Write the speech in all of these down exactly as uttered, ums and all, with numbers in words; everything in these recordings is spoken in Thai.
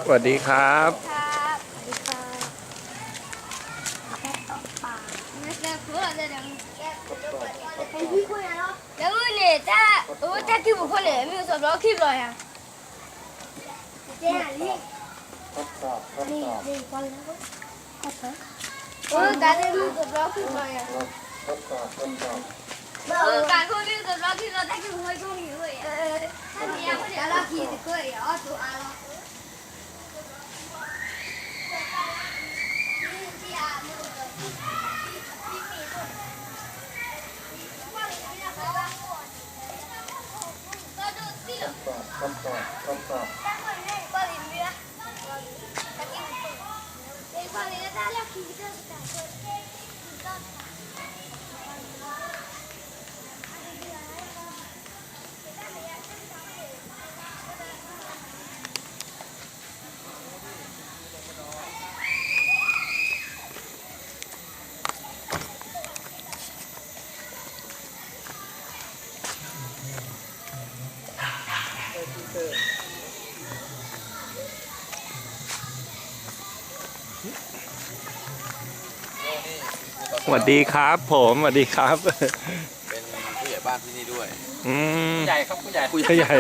วัสดีครับครับสวัสดีครับแค่ตกปลาไม่ใช่เพื่อนเลยนะแค่ไอ้พี่คุยอะไรแล้วเนี่ยถ้าโอ้ถ้าคิดบุคคลเนี่ยมีส่วนร้องคลิปเลยอ่ะเจ้านี่นี่นี่คนแล้วก็เออการเล่นมีส่วนร้องคลิปเลยอ่ะเออการพูดมีส่วนร้องคลิปเราถ้าคิดบุคคลช่วงนี้เลยเออถ้าเดี๋ยวเดี๋ยวเราขี่จะเคยอ๋อตัวอะไรสวัสดีครับผมสวัสดีครับเป็นผู้ใหญ่บ้านที่นี่ด้วยอืมผู้ใหญ่ครับผู้ใหญ่ผู้ใหญ่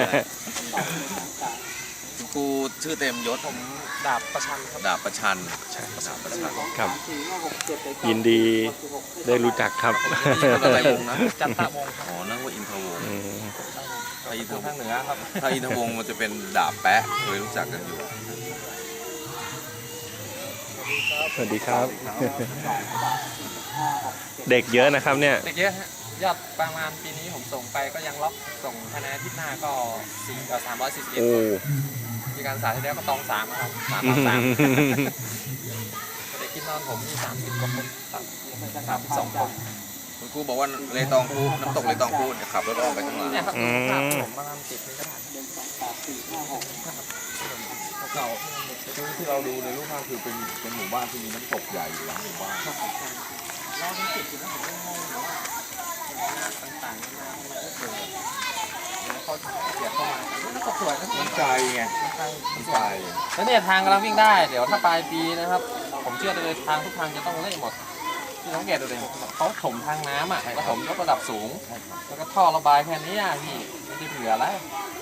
ครูชื่อเต็มยศผมดาบประชันครับดาบประชันใช่ดาบประชันครับยินดีได้รู้จักครับอะไรวงนะจันทวงศ์อ๋อนั่นว่าอินทวงศ์ถ้าอินทวงศ์ทางเหนือครับถ้าอินทวงศ์มันจะเป็นดาบแปะเคยรู้จักกันอยู่สวัสดีครับเด็กเยอะนะครับเนี่ยเด็กเยอะฮะยอดประมาณปีนี้ผมส่งไปก็ยังล็อกส่งภายในอาทิตย์หน้าก็สี่สามร้อยสี่สิบเอ็ดมีการสาที่แล้วก็ตองสามครับสามสามเด็กที่นอนผมมีสามสิบกว่าคนสามสามสิบสองคนคุณครูบอกว่าเลยตองพูน้ำตกเลยตองพูเนี่ยขับรถออกไปข้างหลังเนี่ยครับภาพผมประมาณสิบนี่ก็ได้เก่าที่เราดูในรูปภาพคือเป็นเป็นหมู่บ้านที่มีน้ำตกใหญ่อยู่หลังหมู่บ้านเราเป็นจิตอยู่นะผมก็งงอยู่ว่าต่างๆนานาทำไมก็เกิดแล้วเขาเสียเข้ามาแล้วก็สวยนะมันไกลไงมันไกลแล้วเนี่ยทางกำลังวิ่งได้เดี๋ยวถ้าปลายปีนะครับผมเชื่อเลยทางทุกทางจะต้องเละหมดที่สังเกตดูเลยเขาถมทางน้ำอ่ะแล้วถมยกระดับสูงแล้วก็ท่อระบายแค่นี้อ่ะพี่ไม่ได้เผื่ออะไร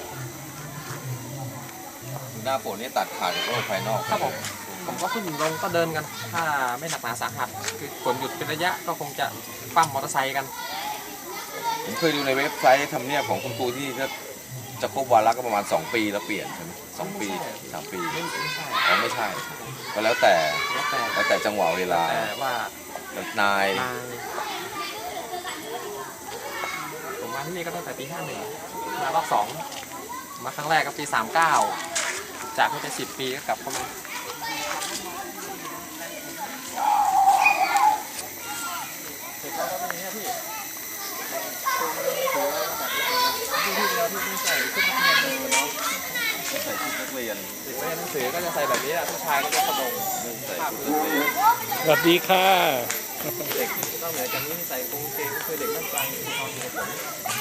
หน้าฝนนี่ตัดขาดจากโลกภายนอกครับผมผมก็ขึ้นลงก็เดินกันถ้าไม่หนักหนาสาหัสคือฝนหยุดเป็นระยะก็คงจะปั้มมอเตอร์ไซค์กันผมเคยดูในเว็บไซต์ทำเนียบของคุณครูที่จะจะครบวาระก็ประมาณสองปีแล้วเปลี่ยนใช่ไหมสองปีสามปีไม่ไม่ใช่อ๋อไม่ใช่ก็แล้วแต่แล้วแต่แล้วแต่จังหวะเวลาแต่ว่านายผมมาที่นี่ก็ตั้งแต่ปีห้าหนึ่งมารอบสองมาครั้งแรกก็ปีสามเก้าจากที่เป็นสิบปีก็กลับเข้ามาเสร็จแล้วก็เป็นอย่างนี้พี่ที่ที่แล้วที่ไม่ใส่ชุดนักเรียนเลยเนาะใส่ชุดนักเรียนเด็กเรียนหนังสือก็จะใส่แบบนี้ผู้ชายก็จะกระโดดภาพเลยสวัสดีค่ะเด็กนอกเหนือจากนี้ใส่กางเกงก็คือเด็กนักกลางที่เขาอยู่กับ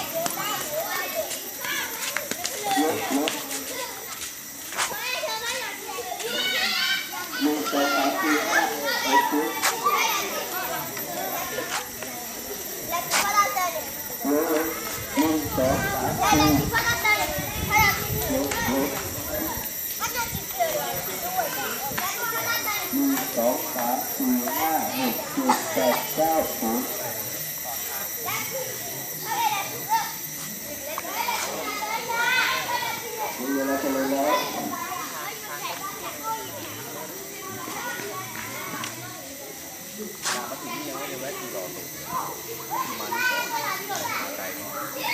ผมสองสามสี่ห้าหกเจ็ดแปดเก้าสิบมีเวลาจะเลยแล้วมาถึงนี่ยังไม่ได้แวะที่รอตรงมาที่ก่อนไกลเนาะ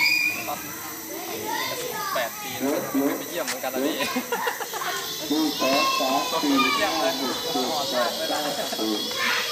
แปดปีแล้วไม่ไปเยี่ยมเหมือนกันนะพี่ดูสองสามสี่ห้าหกเจ็ดแปดเก้าสิบ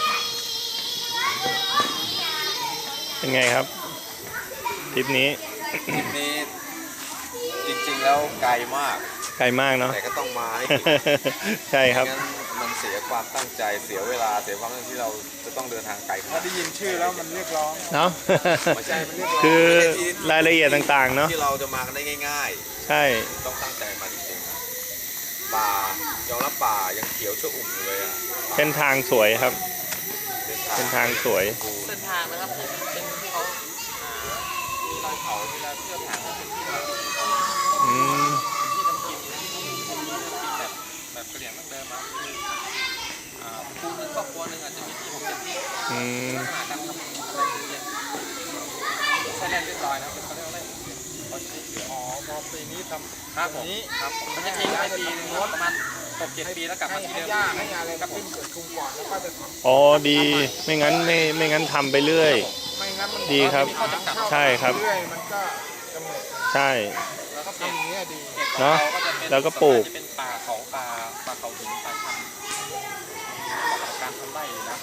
เป็นไงครับทริปนี้ทริปนี้จริงๆแล้วไกลมากไกลมากเนาะแต่ก็ต้องมาให้ใช่ครับมันเสียความตั้งใจเสียเวลาเสียความตั้งที่เราจะต้องเดินทางไกลถ้าได้ยินชื่อแล้วมันเรียกร้องเนาะไม่ใช่มันเรียกร้องคือรายละเอียดต่างๆเนาะที่เราจะมากันได้ง่ายๆใช่ต้องตั้งใจมาจริงป่ายอมรับป่ายังเขียวชอุ่มอยู่เลยอ่ะเส้นทางสวยครับเส้นทางสวยเส้นทางนะครับเป็นเขาอ่ามีรอยเขาเวลาเที่ยวทางก็เป็นที่เราอืมที่ทำกินที่ทำกินแบบแบบกระเหรี่ยงดั้งเดิมมาคืออ่าคูนึงครอบครัวนึงอาจจะมีที่หกเจ็ดที่อืมลักษณะการทำอะไรอย่างเงี้ยใช้แรงเรียบร้อยนะเป็นเขาเรียกว่าอะไรอ๋อพอปีนี้ทำครับผมครับผมมันจะทิ้งไปปีนึงประมาณหกเจ็ดปีแล้วกลับมาที่เดิมให้งานอะไรกับขึ้นเกิดทุงก่อนแล้วก็จะอ๋อดีไม่งั้นไม่ไม่งั้นทำไปเรื่อยไม่งั้นมันดีครับมีข้อจำกัดใช่ครับเรื่อยมันก็จะหมดใช่แล้วก็ทำอย่างนี้ดีเนอะแล้วก็ปลูกจะเป็นป่าเขาป่าป่าเขาหินป่าชันการทำไร่อยู่นะ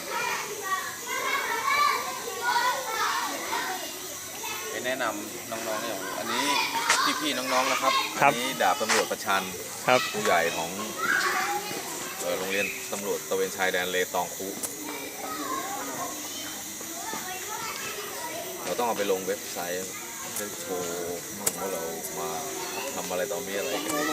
ไปแนะนำน้องๆอย่างอันนี้พี่ๆน้องๆนะครับครับอันี้ดาบตำรวจประชันครับผู้ใหญ่ของเอ่อโรงเรียนตำรวจตระเวนชายแดนเลตองคุเราต้องเอาไปลงเว็บไซต์จะโชว์ว่าเรามาทำอะไรต่อมีอะไรกันเนี่ย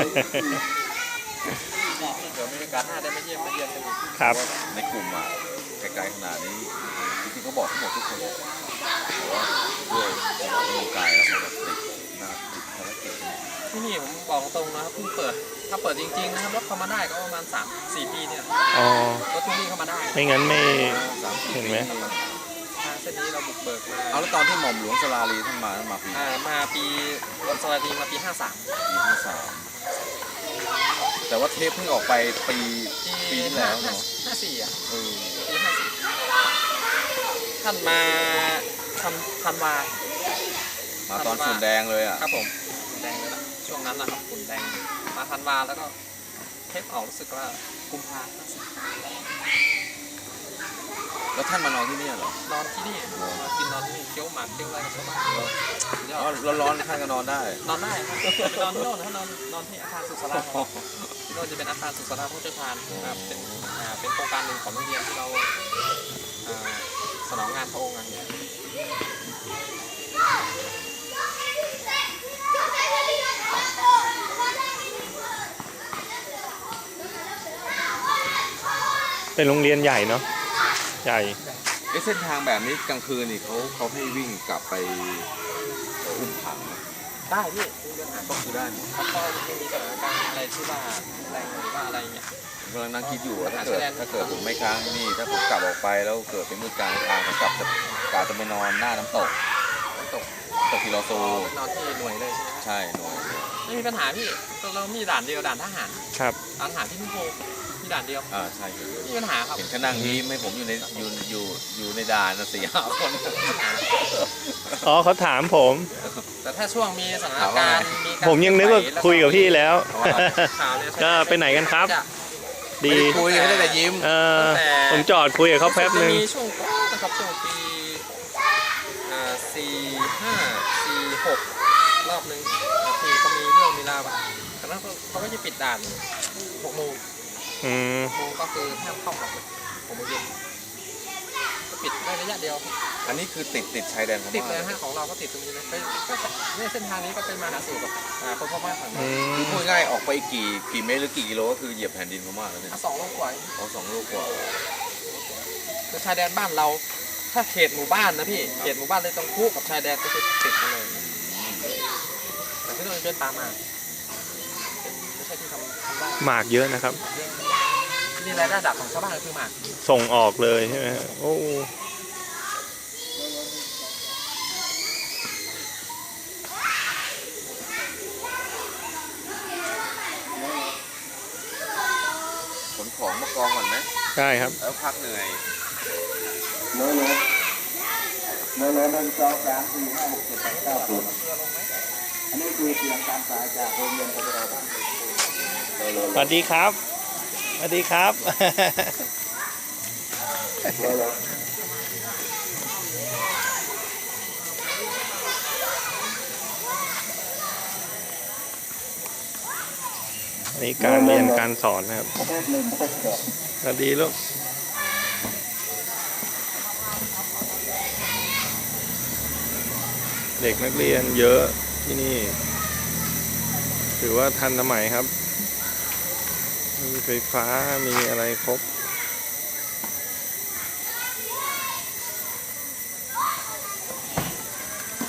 เดี๋ยวมีโอกาสหน้าได้มาเยี่ยมมาเยือนกันอีกครับในกลุ่มอ่ะไกลๆขนาดนี้จริงๆเขาบอกทั้งหมดทุกคนแต่ว่าด้วยสมองร่างกายแล้วเขาแบบติดหน้าติดภารกิจที่นี่ผมบอกตรงนะครับเพิ่งเปิดถ้าเปิดจริงๆนะครับรถเข้ามาได้ก็ประมาณสามสี่ปีเนี่ยอ๋อรถที่นี่เข้ามาได้ไม่งั้นไม่สามสิบเห็นไหมปีทางเส้นนี้เราบุกเบิกมาเอาแล้วตอนที่หม่อมหลวงสลาลีท่านมาท่านมาปีอ่ามาปีวันสวัสดีมาปีห้าสามปีห้าสามแต่ว่าเทปเพิ่งออกไปปีปีปีที่แล้วเนาะห้าสี่อ่ะเออปีห้าสี่ท่านมาทำธันวามาตอนฝุ่นแดงเลยอ่ะครับผมฝุ่นแดงเลยละช่วงนั้นนะครับฝุ่นแดงมาธันวาแล้วก็เทปออกรู้สึกว่ากุมภาพันธ์แล้วท่านมานอนที่นี่เหรอนอนที่นี่มากินนอนที่นี่เคี้ยวหมากเคี้ยวอะไรกับชาวบ้านยออ๋อดร้อนๆท่านก็นอนได้นอนได้ครับไปนอนที่โน่นนะนอนนอนที่อาคารสุขศาลาครับที่โน่นจะเป็นอาคารสุขศาลาผู้เชี่ยวชาญนะครับเป็นอ่าเป็นโครงการหนึ่งของโรงเรียนที่เราอ่าสนองงานพระองค์อะไรอย่างเงี้ยเป็นโรงเรียนใหญ่เนาะใหญ่ไอ้เส้นทางแบบนี้กลางคืนนี่เขาเขาให้วิ่งกลับไปอุ้มผังได้พี่มีเรื่องหาก็คือได้หมดถ้าก็ไม่มีสถานการณ์อะไรที่ว่าแรงหรือว่าอะไรเงี้ยผมกำลังนั่งคิดอยู่ว่าถ้าเกิดถ้าเกิดผมไม่ค้างที่นี่ ถ้าผมกลับออกไปแล้วเกิดเป็นมืดกลางทางผมกลับจะกะจะไปนอนหน้าน้ำตกตกตกทีโลโซนอนที่หน่วยเลยใช่ไหมใช่หน่อยไม่มีปัญหาพี่เรามีด่านเดียวด่านทหารครับด่านทหารที่นิโคมีด่านเดียวอ่าใช่ครับไม่มีปัญหาครับเห็นเขานั่งยิ้มให้ผมอยู่ในอยู่อยู่อยู่ในด่านนะสี่ห้าคนอ๋อเขาถามผมแต่ถ้าช่วงมีสถานการณ์มีการผมยังนึกว่าคุยกับพี่แล้วข่าวเนี่ยก็ไปไหนกันครับจะดีไม่ได้คุยให้ได้แต่ยิ้มเออผมจอดคุยกับเขาแป๊บนึงจะมีช่วงก่อนนะครับช่วงปีอ่าสี่ห้าสี่หกรอบหนึ่งที่เขามีเรื่องมีราวอะตอนนั้นเขาก็จะปิดด่านหกโมงอืมโมงก็คือห้ามเข้าออกเลยหกโมงเย็นก็ปิดได้ระยะเดียวอันนี้คือติดติดชายแดนพติดม่าเลยนะฮะของเราก็ติดตรงนี้นะไปก็เนี่ยเส้นทางนี้ก็เป็นมาหาสู่กับอ่าคนพม่าฝั่งอืนั้นมคือพูดง่ายๆออกไปกี่กี่เมตรหรือกี่กิโลก็คือเหยียบแผ่นดินพม่าแล้วเนี่ยอ่ะสองโลกว่าเอาสองลูกกว่าคือชายแดนบ้านเรา ถ้าเขตหมู่บ้านนะพี่เขตหมู่บ้านเลยต้องคู่กับชายแดนก็คือติดกันเลยแต่ที่โน่นเป็นป่าหมากเป็นไม่ใช่ที่ทำทำได้หมากเยอะนะครับที่นี่รายได้ดับของชาวบ้านก็คือหมากส่งออกเลยใช่ไหมโอ้ขนของมากองก่อนไหมใช่ครับแล้วพักเหนื่อยโน้ตโน้ตโน้ตหนึ่งสองสามสี่ห้าหกเจ็ดแปดเก้าสิบอันนี้คือเสียงการสายจากโรงเรียนปฏิบัติการสวัสดีครับสวัสดีครับ นี่การเรียนการสอนนะครับหนึ่งหกสองสวัสดีลูกเด็กนักเรียนเยอะที่นี่ ถือว่าทันสมัยครับมีไฟฟ้ามีอะไรครบ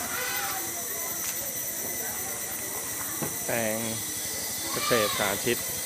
แปลงเกษตรสาธิต